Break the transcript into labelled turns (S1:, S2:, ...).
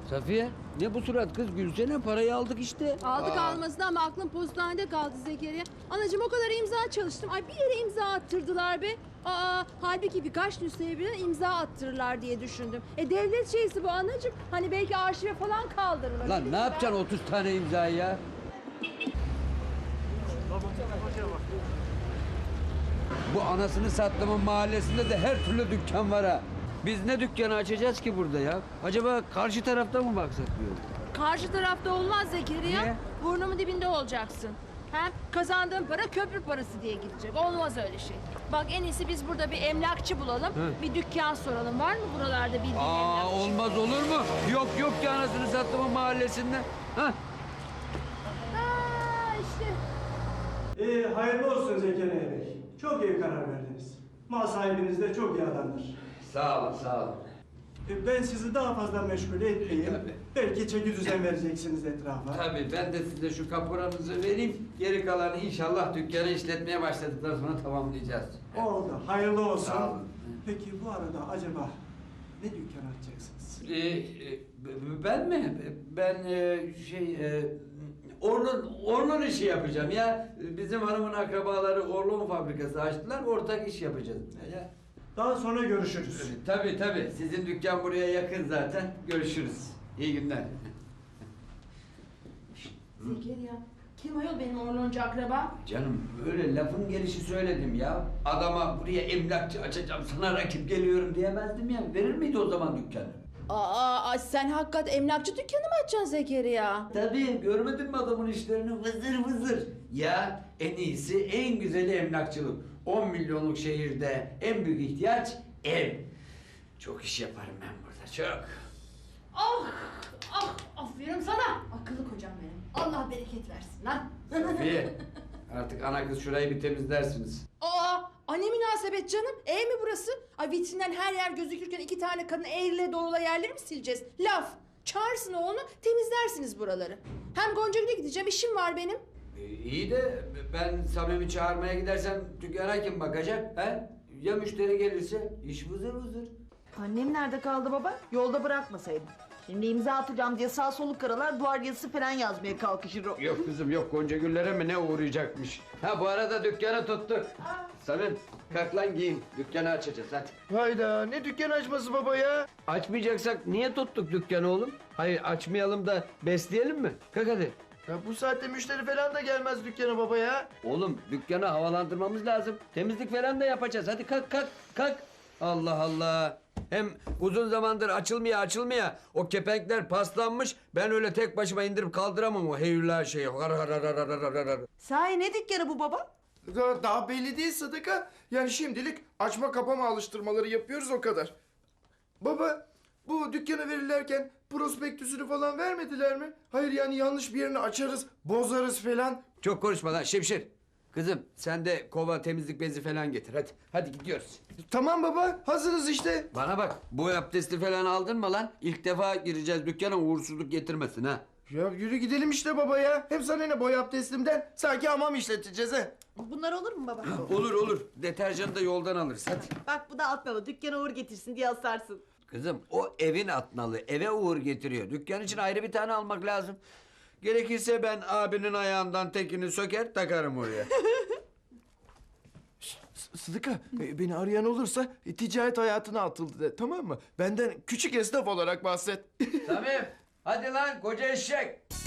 S1: Safiye ne bu surat kız, gülsene, parayı aldık işte.
S2: Aldık almasına ama aklım postanede kaldı Zekeriya. Anacığım o kadar imza çalıştım. Ay bir yere imza attırdılar be. Halbuki birkaç nüshaya birden imza attırırlar diye düşündüm. Devlet şeysi bu anacığım. Hani belki arşive falan kaldırırlar.
S1: Lan ne yapacaksın 30 tane imzayı ya? Bu anasını sattığımın mahallesinde de her türlü dükkan var ha. Biz ne dükkanı açacağız ki burada ya? Acaba karşı tarafta mı baksak diyorum.
S2: Karşı tarafta olmaz Zekeriya.
S1: Niye?
S2: Burnumun dibinde olacaksın. Hem kazandığın para köprü parası diye gidecek. Olmaz öyle şey. Bak en iyisi biz burada bir emlakçı bulalım.
S1: Hı.
S2: Bir dükkan soralım. Var mı buralarda bildiğin emlakçı?
S1: Olmaz olur mu? Yok ki anasını sattığımın mahallesinde. Ha?
S2: İşte.
S3: Hayırlı olsun Zekeriya Bey. Çok iyi karar verdiniz. Mal sahibiniz de çok iyi adamdır.
S1: Sağ olun, sağ olun.
S3: Ben sizi daha fazla meşgul etmeyeyim.
S1: Tabii.
S3: Belki çeki düzen vereceksiniz etrafa.
S1: Tabii ben de size şu kaporanızı vereyim. Geri kalanı inşallah dükkanı işletmeye başladıktan sonra tamamlayacağız.
S3: Oldu. Hayırlı olsun.
S1: Sağ olun.
S3: Peki bu arada acaba ne dükkan açacaksınız?
S1: Ben mi? Ben Orlun işi yapacağım ya. Bizim hanımın akrabaları Orlun fabrikası açtılar. Ortak iş yapacağız. Ya.
S3: Daha sonra görüşürüz.
S1: Tabii. Sizin dükkan buraya yakın zaten. Görüşürüz. İyi günler.
S2: Zekeriya. Kim ayol benim Orloncu akraba?
S1: Canım öyle lafın gelişi söyledim ya. Adama buraya emlakçı açacağım, sana rakip geliyorum diyemezdim ya. Verir miydi o zaman dükkanı?
S2: Sen hakikat emlakçı dükkanı mı açacaksın Zekeriya?
S1: Tabii, görmedin mi adamın işlerini? Vızır vızır. Ya en iyisi, en güzeli emlakçılık. 10 milyonluk şehirde en büyük ihtiyaç ev. Çok iş yaparım ben burada, çok.
S2: Aferin sana. Akıllı kocam benim. Allah bereket versin lan.
S1: Safiye, artık ana kız şurayı bir temizlersiniz.
S2: Ne münasebet canım? Ev mi burası? Ay vitrinden her yer gözükürken iki tane kadın eğrile doğrula yerleri mi sileceğiz? Laf. Çağırsın oğlunu, temizlersiniz buraları. Hem Goncagül'e gideceğim, işim var benim.
S1: İyi de ben Samim'i çağırmaya gidersem dükkana kim bakacak? He? Ya müşteri gelirse? İş vızır vızır.
S4: Annem nerede kaldı baba? Yolda bırakmasaydım. Şimdi imza atacağım diye sağ soluk karalar duvar yazısı falan yazmaya kalkışır o.
S1: Yok kızım yok, Gonca Güllere mi ne uğrayacakmış? Ha bu arada dükkanı tuttuk. Samim kalk lan giyin, dükkanı açacağız hadi.
S5: Hayda, ne dükkan açması baba ya?
S1: Açmayacaksak niye tuttuk dükkanı oğlum? Hayır açmayalım da besleyelim mi? Kalk hadi.
S5: Ya bu saatte müşteri falan da gelmez dükkana baba ya.
S1: Oğlum dükkanı havalandırmamız lazım. Temizlik falan da yapacağız. Hadi kalk. Allah Allah. Hem uzun zamandır açılmaya o kepenkler paslanmış. Ben öyle tek başıma indirip kaldıramam o heyula şeyi.
S4: Sahi ne dükkanı bu baba?
S5: Daha belli değil Sıdıka. Yani şimdilik açma kapama alıştırmaları yapıyoruz o kadar. Baba, bu dükkana verirlerken prospektüsünü falan vermediler mi? Hayır yani yanlış bir yerini açarız, bozarız falan.
S1: Çok konuşma lan Şemşir. Kızım sen de kova temizlik bezi falan getir hadi. Hadi gidiyoruz.
S5: Tamam baba, hazırız işte.
S1: Bana bak bu abdesti falan aldın mı lan? İlk defa gireceğiz dükkana, uğursuzluk getirmesin ha.
S5: Ya yürü gidelim işte baba ya. Hem sana ne boy abdestimden? Sanki hamam işleteceğiz ha.
S4: Bunlar olur mu baba?
S1: Olur. Deterjanı da yoldan alırız hadi.
S4: Bak bu da atmalı. Dükkana uğur getirsin diye asarsın.
S1: Kızım o evin atnalı, eve uğur getiriyor. Dükkan için ayrı bir tane almak lazım. Gerekirse ben abinin ayağından tekini söker takarım oraya.
S5: Sıdıka, beni arayan olursa ticaret hayatına atıldı de, tamam mı? Benden küçük esnaf olarak bahset.
S1: Samim hadi lan koca eşek.